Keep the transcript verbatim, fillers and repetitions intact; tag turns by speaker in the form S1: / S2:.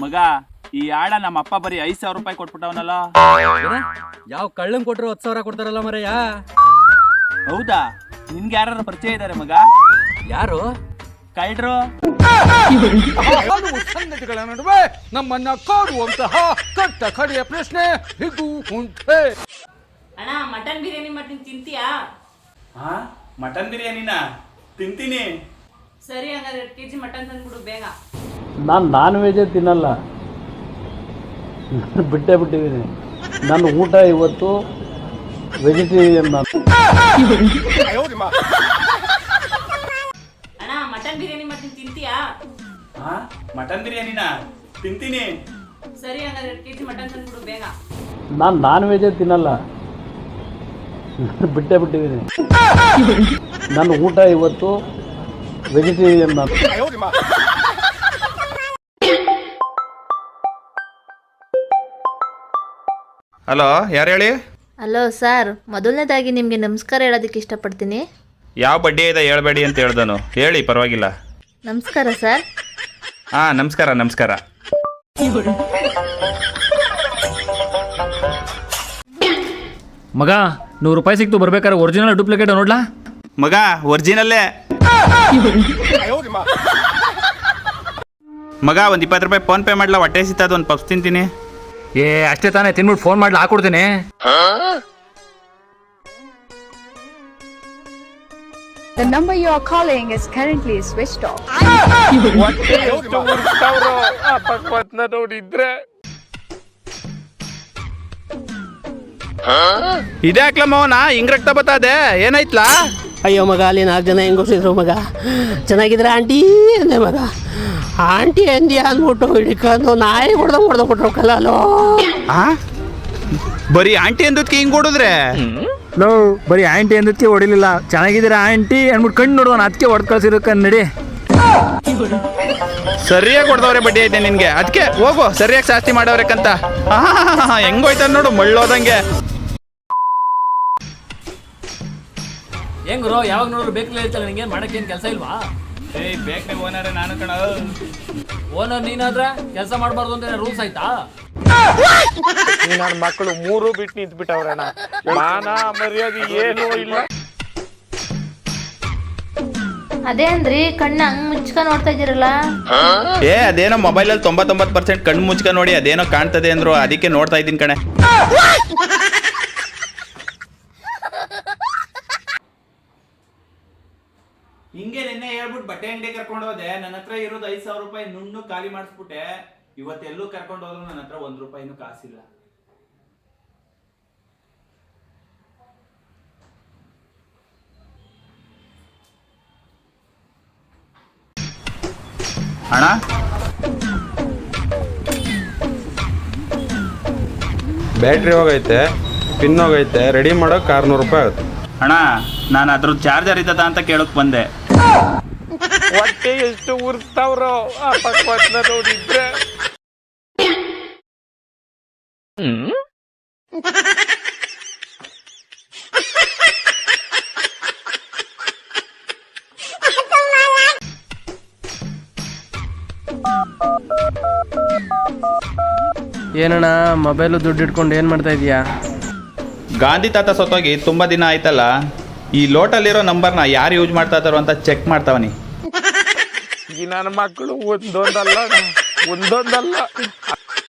S1: ಮಗ ಈ ಆಡ ನಮ್ಮ ಅಪ್ಪ ಬರೀ ಐದ್ ಸಾವಿರ ರೂಪಾಯಿ ಕೊಟ್ಬಿಟ್ಟವನಲ್ಲ.
S2: ಯಾವ ಕಳ್ಳಂಗ್ ಕೊಟ್ರು ಹತ್ತು ಸಾವಿರ ಕೊಡ್ತಾರಲ್ಲ ಮರಯ್ಯ.
S1: ಹೌದಾ? ನಿನ್ಗೆ ಯಾರು ಪರಿಚಯ ಇದಾರೆ ಮಗ?
S2: ಯಾರು?
S1: ಕಳ್ಳರು.
S3: ಸಂಗತಿಗಳ ನಡುವೆ ನಮ್ಮನ್ನ ಕಾಡುವಂತಹ ಕಟ್ಟ ಕಡೆಯ ಪ್ರಶ್ನೆ ಇದು ಉಂಟೆ.
S4: ಅಣ್ಣ ಮಟನ್ ಬಿರಿಯಾನಿ ಮಾಡ್ತೀನಿ, ತಿಂತೀಯಾ?
S1: ಹಾ, ಮಟನ್ ಬಿರಿಯಾನಿನ ತಿಂತೀನಿ.
S4: ಸರಿ, ಹಂಗಾದ್ರೆ ಎರಡು ಕೆಜಿ ಮಟನ್ ತಂದ್ಬಿಡು ಬೇಗ.
S5: ನಾನು ನಾನ್ ವೆಜೇ ತಿನ್ನಲ್ಲ, ಬಿಟ್ಟೇ ಬಿಟ್ಟಿದ್ದೀನಿ. ನನ್ನ ಊಟ ಇವತ್ತು ವೆಜಿಟೇರಿಯನ್. ನಾನು
S4: ಅಣ್ಣ ಮಟನ್ ಬಿರಿಯಾನಿ ಮಾಡ್ತೀನಿ, ತಿಂತೀಯಾ?
S1: ಹಾ, ಮಟನ್ ಬಿರಿಯಾನಿನ ತಿಂತೀನಿ.
S4: ಸರಿ, ಹಂಗಾದ್ರೆ ಎರಡು ಕೆಜಿ ಮಟನ್ ತಂದ್ಬಿಡು ಬೇಗ.
S5: ನಾನು ನಾನ್ ವೆಜೇ ತಿನ್ನಲ್ಲ, ಬಿಟ್ಟೇ ಬಿಟ್ಟಿದ್ದೀನಿ. ನನ್ನ ಊಟ ಇವತ್ತು ವೆಜಿಟೇರಿಯನ್. ನಾನು
S6: ಹಲೋ, ಯಾರು ಹೇಳಿ?
S7: ಹಲೋ ಸರ್, ಮೊದಲನೇದಾಗಿ ನಿಮಗೆ ನಮಸ್ಕಾರ ಹೇಳೋದಕ್ಕೆ ಇಷ್ಟಪಡ್ತೀನಿ.
S6: ಯಾವ ಬಡ್ಡಿ ಇದೆ ಹೇಳ್ಬೇಡಿ ಅಂತ ಹೇಳ್ದನು, ಹೇಳಿ ಪರವಾಗಿಲ್ಲ.
S7: ನಮಸ್ಕಾರ ಸರ್.
S6: ಹಾಂ, ನಮಸ್ಕಾರ ನಮಸ್ಕಾರ.
S2: ಮಗ ನೂರು ರೂಪಾಯಿ ಸಿಕ್ತು, ಬರ್ಬೇಕಾದ್ರೆ ಒರಿಜಿನಲ್ ಡೂಪ್ಲಿಕೇಟ್ ನೋಡ್ಲಾ?
S6: ಮಗ ಒರಿಜಿನಲ್ಲೇ. ಮಗ ಒಂದು ಇಪ್ಪತ್ತು ರೂಪಾಯಿ ಫೋನ್ ಪೇ ಮಾಡ್ಲಾ? ಹೊಟ್ಟೆ ಸಿಗ್ತದ, ಒಂದು ಪಪ್ಸ್ ತಿಂತೀನಿ.
S2: ಏ ಅಷ್ಟೇ ತಾನೇ, ತಿನ್ಬಿಟ್ಟು ಫೋನ್ ಮಾಡ್ಲಿ, ಹಾಕೊಡ್ತೀನಿ.
S8: The number you are calling is currently switched off.
S6: ಇದೇ ಹಾಕ್ಲಮ್ಮವನ ಹಿಂಗ್ ರಕ್ತ ಬತ್ತದೆ, ಏನಾಯ್ತಲಾ?
S9: ಅಯ್ಯೋ ಮಗ, ಅಲ್ಲಿ ನಾಲ್ಕು ಜನ ಹೆಂಗೋಸಿದ್ರು ಮಗ. ಚೆನ್ನಾಗಿದ್ರೆ ಆಂಟಿ ಅಂದೆ ಮಗ. ಆಂಟಿ ಅಂದಿ ಅಂದ್ಬಿಟ್ಟು ಹಿಡ್ಕೊಂಡು ನಾಯಿ ಹೊಡೆದ ಹೊಡೆದ ಕೊಟ್ರು ಕಲ್ಲೋ.
S6: ಬರೀ ಆಂಟಿ ಅಂದಕ್ಕೆ ಹಿಂಗ್ ಹೊಡಿದ್ರೆ?
S2: ಲೋ, ಬರೀ ಆಂಟಿ ಅಂದಕ್ಕೆ ಹೊಡಿಲಿಲ್ಲ, ಚೆನ್ನಾಗಿದ್ದೀರಾ ಆಂಟಿ ಅಂದ್ಬಿಟ್ಟು ಕಣ್ಣು ನೋಡೋಣ, ಅದಕ್ಕೆ ಹೊಡೆದು ಕಳ್ಸಿರೋ ಕನ್ನಡಿ.
S6: ಸರಿಯಾಗಿ ಹೊಡೆದವ್ರೆ ಬಡ್ಡಿ ಐತೆ ನಿನ್ಗೆ, ಅದಕ್ಕೆ ಹೋಗು ಸರಿಯಾಗಿ ಶಾಸ್ತಿ ಮಾಡವ್ರೆಕ್ಕಂತ. ಹೆಂಗೋಯ್ತಾರ ನೋಡು, ಮಳ್ಳೋದಂಗೆ.
S2: ಹೆಂಗ್ರೋ, ಯಾವಾಗ ನೋಡ್ರು ಬೇಕಲ್ಲ ಹೇಳ್ತಲ್ಲ, ನಿಂಗೇನು ಮಾಡಕ್ಕೆ ಏನು ಕೆಲಸ ಇಲ್ವಾ?
S1: ಏಯ್, ಬೇಕ್ರಿ ಓನರ್ ನಾನು ಕಣ.
S2: ಓನರ್ ನೀನಾದ್ರ ಕೆಲಸ ಮಾಡಬಾರ್ದು ಅಂತ ರೂಲ್ಸ್ ಆಯ್ತಾ?
S3: ನನ್ನ ಮಕ್ಕಳು ಮೂರು ಬಿಟ್ಟು ನಿಂತು ಬಿಟ್ಟವ್ರಣ. ಮಾನ ಮರ್ಯಾದೆ ಏನೂ ಇಲ್ಲ.
S7: ಅದೇ ಅಂದ್ರಿ, ಕಣ್ಣ ಹಂಗ್ ಮುಚ್ಕ ನೋಡ್ತಾ ಇದ್ದೀರಲ್ಲ.
S6: ಏ ಅದೇನೋ ಮೊಬೈಲಲ್ಲಿ ತೊಂಬತ್ತೊಂಬತ್ತು ಪರ್ಸೆಂಟ್ ಕಣ್ಣು ಮುಚ್ಕ ನೋಡಿ ಅದೇನೋ ಕಾಣ್ತದೆ ಅಂದ್ರು, ಅದಕ್ಕೆ ನೋಡ್ತಾ ಇದ್ದೀನಿ ಕಣೆ.
S1: ಹಿಂಗೆ ನಿನ್ನೆ ಹೇಳ್ಬಿಟ್ಟು ಬಟ್ಟೆ ಅಂಗಡಿ ಕರ್ಕೊಂಡು ಹೋದೆ. ನನ್ನ ಹತ್ರ ಇರೋದು ಐದ್ ಸಾವಿರ ರೂಪಾಯಿ ನುಣ್ಣು ಖಾಲಿ ಮಾಡಿಸ್ಬಿಟ್ಟೆ. ಇವತ್ತೆಲ್ಲೂ ಕರ್ಕೊಂಡು ಹೋದ್ರು ನನ್ನ ಹತ್ರ ಒಂದ್ ರೂಪಾಯಿನೂ ಕಾಸಿಲ್ಲ.
S6: ಅಣ್ಣ,
S10: ಬ್ಯಾಟ್ರಿ ಹೋಗೈತೆ, ಪಿನ್ ಹೋಗೈತೆ, ರೆಡಿ ಮಾಡೋಕೆ ಆರ್ನೂರು ರೂಪಾಯಿ ಆಗುತ್ತೆ.
S6: ಅಣ್ಣ ನಾನು ಅದ್ರ ಚಾರ್ಜರ್ ಇದ್ದದ ಅಂತ ಕೇಳಕ್ ಬಂದೆ.
S3: ಹೊಟ್ಟೆ ಎಷ್ಟು ಉರ್ಸ್ತಾವ್ರೋ ಆ ಪಕ್ವತ್ನ ನೋಡಿದ್ರೆ.
S9: ಏನಣ್ಣ ಮೊಬೈಲು ದುಡ್ಡು ಇಟ್ಕೊಂಡು ಏನು ಮಾಡ್ತಾ ಇದೀಯಾ?
S6: ಗಾಂಧಿ ತಾತ ಸತ್ತೋಗಿ ತುಂಬಾ ದಿನ ಆಯ್ತಲ್ಲ, ಈ ಲೋಟಲ್ಲಿರೋ ನಂಬರ್ನ ಯಾರು ಯೂಸ್ ಮಾಡ್ತಾ ಇದ್ದಾರೋ ಅಂತ ಚೆಕ್ ಮಾಡ್ತಾವನಿ.
S3: ಈ ನನ್ನ ಮಕ್ಕಳು ಒಂದೊಂದಲ್ಲ ಒಂದೊಂದಲ್ಲ